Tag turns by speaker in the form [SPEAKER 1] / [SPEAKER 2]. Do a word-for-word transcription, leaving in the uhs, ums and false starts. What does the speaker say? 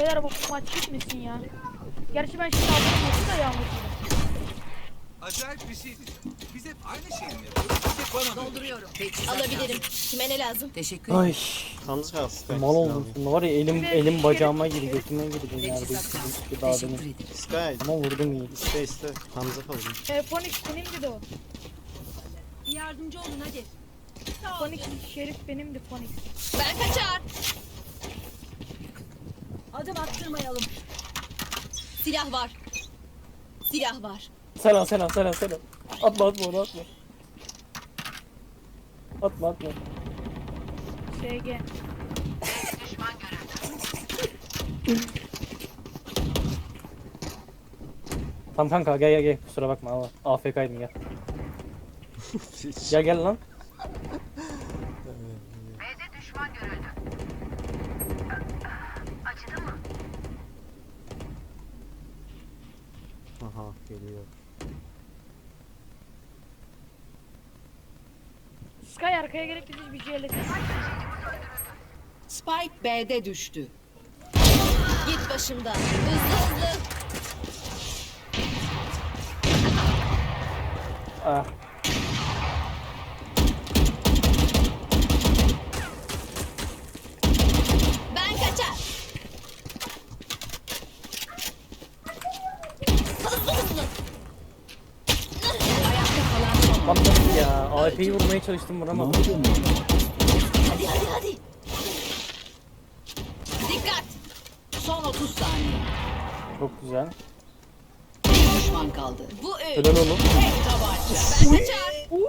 [SPEAKER 1] Beyler bu maç gitmesin ya. Gerçi ben şimdi aldım da yağmur.
[SPEAKER 2] Acayip bir şeydi. Biz hep aynı şeyi mi yapıyoruz? Hep bana
[SPEAKER 3] Dolduruyorum.
[SPEAKER 4] Alabilirim. Kime ne lazım?
[SPEAKER 3] Teşekkür ederim.
[SPEAKER 5] Ay
[SPEAKER 6] Yalnız kalsın.
[SPEAKER 5] mal oldum sonra var ya elim elim bacağıma girdi götüme girdi neredeyse
[SPEAKER 3] Teçhizat lazım.
[SPEAKER 5] bir daha
[SPEAKER 3] Teşekkür
[SPEAKER 5] benim.
[SPEAKER 3] ederim.
[SPEAKER 6] Sky.
[SPEAKER 5] Ama vurdum iyi.
[SPEAKER 6] İste iste. Hamza kalın.
[SPEAKER 1] E, Phoenix benimdi de o.
[SPEAKER 4] Yardımcı olun hadi.
[SPEAKER 1] Phoenix Şerif benimdi Phoenix.
[SPEAKER 4] Ben kaçar. Adım attırmayalım. Silah var. Silah var.
[SPEAKER 5] Selam selam selam selam. Atma atma onu atma. Atma atma.
[SPEAKER 1] S G.
[SPEAKER 5] Tamam kanka gel gel gel kusura bakma ama A F K'ydın gel. Gel gel lan.
[SPEAKER 7] B'de düşman görüldü. Acıdı mı?
[SPEAKER 6] Aha geliyor.
[SPEAKER 1] Sky arkaya gelip bizi bir C L S.
[SPEAKER 3] Spike B'de düştü.
[SPEAKER 4] Git başımdan. Hızlı hızlı.
[SPEAKER 5] Ah.
[SPEAKER 4] Ben kaçar. Hızlı hızlı.
[SPEAKER 3] Ayakta kalan son.
[SPEAKER 5] Bak nasıl ya A F'yi vurmaya çalıştım vuramadım.
[SPEAKER 4] Hadi hadi hadi. Dikkat.
[SPEAKER 3] Son otuz saniye.
[SPEAKER 5] Çok güzel.
[SPEAKER 3] Bir düşman kaldı.
[SPEAKER 4] Bu üç.
[SPEAKER 5] Helal oğlum.
[SPEAKER 3] Tek tabanca.
[SPEAKER 4] Ben kaçar.